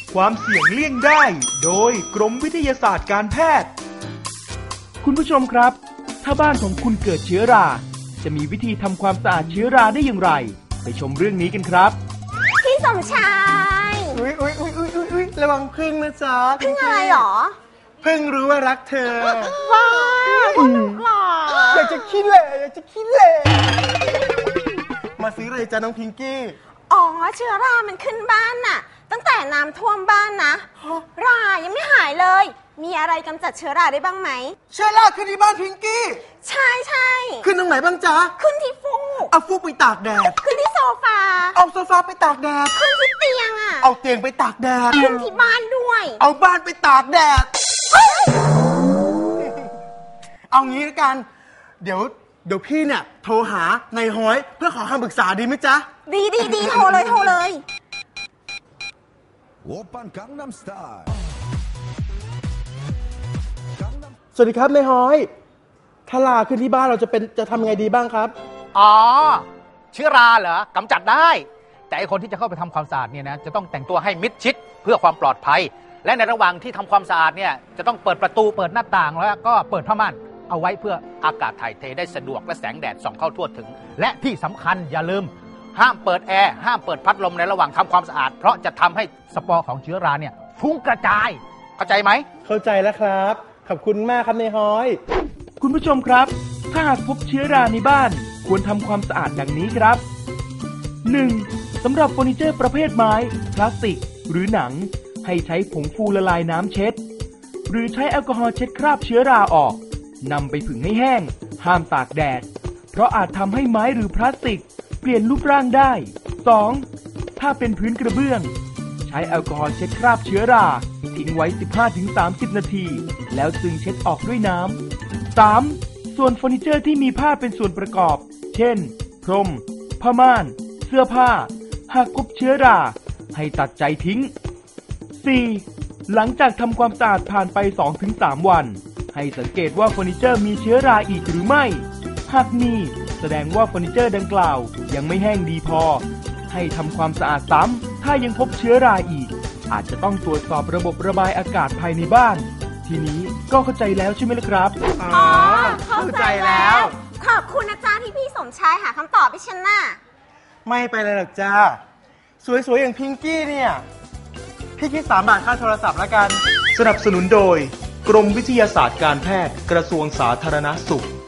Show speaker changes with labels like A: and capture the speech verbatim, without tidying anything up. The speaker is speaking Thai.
A: ความเสี่ยงเลี่ยงได้โดยกรมวิทยาศาสตร์การแพทย์คุณผู้ชมครับถ้าบ้านของคุณเกิดเชื้อราจะมีวิธีทำความสะอาดเชื้อราได้อย่างไรไปชมเรื่องนี้กันครับ
B: พี่สมชาย
C: อุ้ยอุ้ยอุ้ยอุ้ยอุ้ยระวังพึ่งนะจ๊ะ
B: พึ่งอะไรหรอ
C: พึ่งรู้ว่ารักเธอ
B: ว้าวหนุกหรอ
C: อยากจะขี้เหร่อยากจะขี้เหร่มาซื้ออะไรจ๊ะน้องพิงกี้
B: อ๋อเชื้อรามันขึ้นบ้านน่ะตั้งแต่น้ำท่วมบ้านนะรายังไม่หายเลยมีอะไรกำจัดเชื้อราได้บ้างไหม
C: เชื้อราขึ้นที่บ้านพิงกี้
B: ใช่ใช่
C: ขึ้นตรงไหนบ้างจ๊ะ
B: ขึ้นที่ฟูก
C: เอาฟูกไปตากแดด
B: ขึ้นที่โซฟา
C: เอาโซฟาไปตากแดด
B: ขึ้นที่เตียงอ่ะ
C: เอาเตียงไปตากแดด
B: ขึ้นที่บ้านด้วย
C: เอาบ้านไปตากแดดเอางี้ละกันเดี๋ยวเดี๋ยวพี่เนี่ยโทรหานายฮ้อยเพื่อขอคำปรึกษาดีไหมจ๊ะ
B: ดีดีดีโทรเลยโทรเลย
C: สวัสดีครับนายฮ้อยถ้าลาขึ้นที่บ้านเราจะเป็นจะทำยังไงดีบ้างครับ
D: อ๋อเชื้อราเหรอกำจัดได้แต่ไอคนที่จะเข้าไปทำความสะอาดเนี่ยนะจะต้องแต่งตัวให้มิดชิดเพื่อความปลอดภัยและในระหว่างที่ทำความสะอาดเนี่ยจะต้องเปิดประตูเปิดหน้าต่างแล้วก็เปิดผ้าม่านเอาไว้เพื่ออากาศถ่ายเทได้สะดวกและแสงแดดส่องเข้าทั่วถึงและที่สำคัญอย่าลืมห้ามเปิดแอร์ห้ามเปิดพัดลมในระหว่างทำความสะอาดเพราะจะทำให้สปอร์ของเชื้อราเนี่ยฟุ้งกระจายเข้าใจไหม
C: เข้าใจแล้วครับขอบคุณมากครับนายฮ้อย
A: คุณผู้ชมครับถ้าหากพบเชื้อราในบ้านควรทำความสะอาดดังนี้ครับ หนึ่ง. สำหรับเฟอร์นิเจอร์ประเภทไม้พลาสติกหรือหนังให้ใช้ผงฟูละลายน้ำเช็ดหรือใช้แอลกอฮอล์เช็ดคราบเชื้อราออกนำไปผึ่งให้แห้งห้ามตากแดดเพราะอาจทำให้ไม้หรือพลาสติกเปลี่ยนรูปร่างได้ สอง. ถ้าเป็นพื้นกระเบื้องใช้แอลกอฮอล์เช็ดคราบเชื้อราทิ้งไว้ สิบห้าถึงสามสิบ นาทีแล้วจึงเช็ดออกด้วยน้ำ สาม. ส่วนเฟอร์นิเจอร์ที่มีผ้าเป็นส่วนประกอบเช่นพรมผ้าม่านเสื้อผ้าหากพบเชื้อราให้ตัดใจทิ้ง สี่. หลังจากทำความสะอาดผ่านไป สองถึงสาม วันให้สังเกตว่าเฟอร์นิเจอร์มีเชื้อราอีกหรือไม่หากมีแสดงว่าเฟอร์นิเจอร์ดังกล่าวยังไม่แห้งดีพอให้ทำความสะอาดซ้ำถ้ายังพบเชื้อราอีกอาจจะต้องตรวจสอบระบบระบายอากาศภายในบ้านทีนี้ก็เข้าใจแล้วใช่ไหมล่ะครับ
B: อ๋อเข้าใจแล้วขอบคุณนะจ๊ะที่พี่สมชายหาคำตอบให้ฉันน่ะ
C: ไม่ไปเลยหรอกจ้าสวยๆอย่างพิงกี้เนี่ยพี่คิดสามบาทค่าโทรศัพท์แล้วกัน
A: สนับสนุนโดยกรมวิทยาศาสตร์การแพทย์กระทรวงสาธารณสุข